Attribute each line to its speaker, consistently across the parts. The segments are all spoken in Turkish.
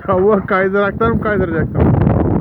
Speaker 1: Tavuğa kaydıraktan mı kaydıracaksın?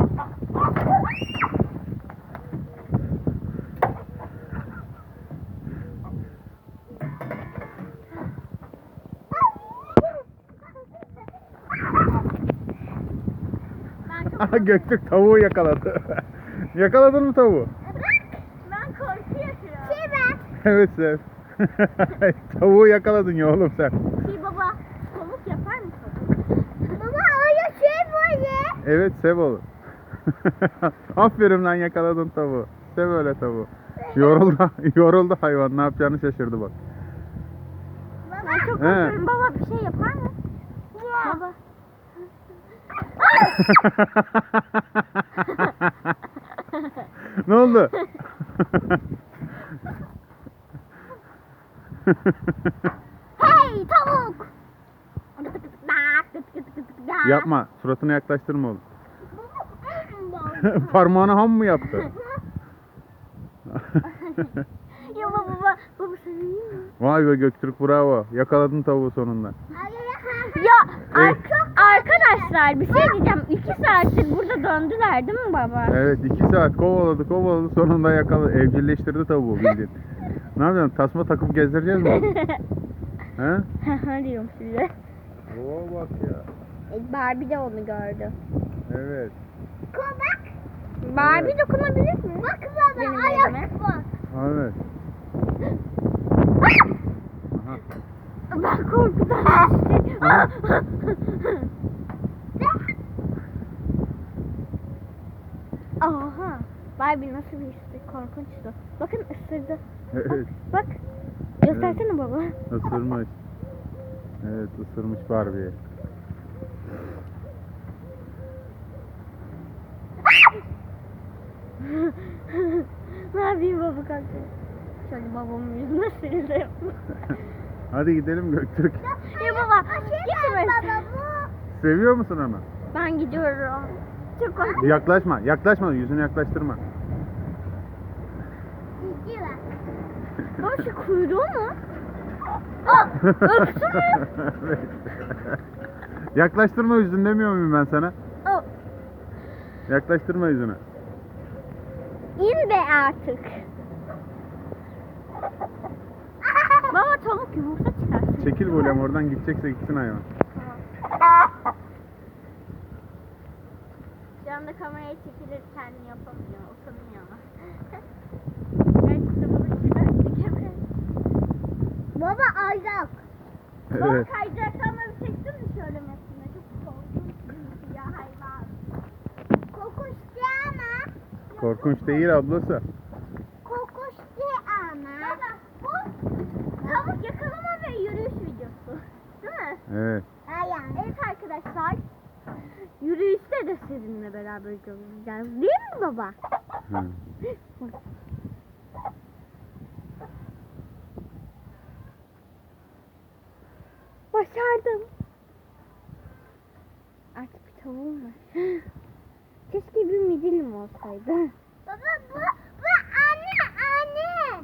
Speaker 1: Aha, Göktürk tavuğu yakaladı. Yakaladın mı tavuğu?
Speaker 2: Ben korkuyorum.
Speaker 1: Evet Sev. Tavuğu yakaladın ya oğlum sen.
Speaker 2: Baba, tavuk yapar mısın? Baba öyle şey böyle.
Speaker 1: Evet Sev oğlum. Aferin lan, yakaladın tavuğu. Sev öyle tavuğu. Yoruldu hayvan, ne yapacağını şaşırdı bak.
Speaker 2: Ben çok korkuyorum. Baba bir şey yapar mı? Baba.
Speaker 1: Ne oldu?
Speaker 2: Hey tavuk!
Speaker 1: Yapma, suratını yaklaştırma oğlum. Parmağını ham mı yaptı?
Speaker 2: Ya baba seviyor mu?
Speaker 1: Vay be Göktürk, bravo. Yakaladın tavuğu sonunda.
Speaker 2: Ya arkadaşlar bir şey diyeceğim. 2 saattir burada döndüler değil mi baba?
Speaker 1: Evet, 2 saat kovaladı sonunda yakaladı. Evcilleştirdi tavuğu bildiğin. Ne yapacaksın? Tasma takıp gezdireceğiz mi? He?
Speaker 2: Diyorum size.
Speaker 1: Oo bak ya.
Speaker 2: Barbie de onu gördü.
Speaker 1: Evet.
Speaker 2: Bak. Barbie
Speaker 1: Evet.
Speaker 2: dokunabilir mi? Bak baba ayak bak.
Speaker 1: Evet. Aha.
Speaker 2: Ben korkudan Aha. Barbie nasıl bir histi? Korkunçtu. Bakın ısırdı.
Speaker 1: Evet.
Speaker 2: Bak. Göstersene baba.
Speaker 1: Isırmış. Evet, ısırmış Barbie'yi.
Speaker 2: Ne yapayım baba kalktı. Şöyle babamın yüzüne sildim.
Speaker 1: Hadi gidelim Göktürk.
Speaker 2: Ya baba gitme.
Speaker 1: Seviyor musun onu?
Speaker 2: Ben gidiyorum. Çok korkuyorum.
Speaker 1: Yaklaşma, yüzünü yaklaştırma.
Speaker 2: Baba şu kuyruğu mu? Öptü mü?
Speaker 1: Evet. Yaklaştırma yüzünü demiyor muyum ben sana? Yaklaştırma yüzünü.
Speaker 2: İn be artık. Baba tavuk yumurta çıkarsın.
Speaker 1: Çekil böyle, oradan gidecekse gitsin hayvan.
Speaker 2: Şu anda kameraya çekilir kendini yapamıyor. Utanıyor. Gerçekten bunu şuradan çekemez. Baba ayak. Baba
Speaker 1: Evet.
Speaker 2: kayacaktan bir çektin mi şöyle mesela? Çok korkunç ya hayvan. Korkunç değil ama.
Speaker 1: Korkunç değil ablası.
Speaker 2: Korkunç değil ama. Baba bu tavuk yakalama ve yürüyüş videosu. Değil mi?
Speaker 1: Evet.
Speaker 2: Evet arkadaşlar. Yürüyüşte de sizinle beraber göreceğiz. Değil mi baba?
Speaker 1: Hı.
Speaker 2: Başardım. Artık bir tavuğum var. Keşke bir midilim olsaydı. Baba bu anne.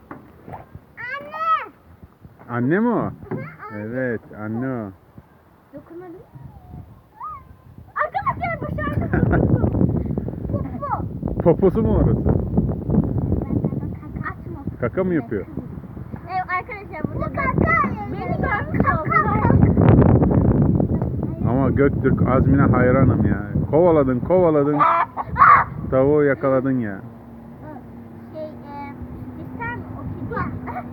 Speaker 1: Anne mi o? Evet, anne o.
Speaker 2: Dokunabilir miyim? Arkadaşlar başardım.
Speaker 1: Poposu mu orası?
Speaker 2: Açma.
Speaker 1: Kaka mı yapıyor?
Speaker 2: Evet arkadaşlar burada beni görmüş oldular.
Speaker 1: Ama Göktürk, azmine hayranım ya. Kovaladın. Tavuğu yakaladın ya.
Speaker 2: İster mi? O kedi.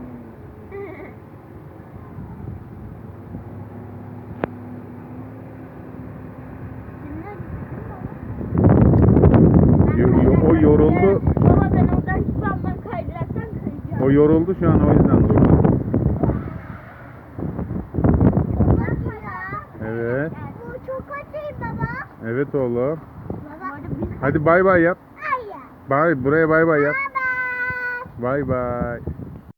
Speaker 1: O yoruldu.
Speaker 2: Baba ben oradan çıksam ben kaydıraktan kayacağım.
Speaker 1: O yoruldu şu an, o yüzden durdu. Evet.
Speaker 2: Bu çok acı baba.
Speaker 1: Evet oğlum.
Speaker 2: Baba.
Speaker 1: Hadi bay bay yap.
Speaker 2: Hayır.
Speaker 1: Buraya bay bay yap.
Speaker 2: Baba.
Speaker 1: Bay bay.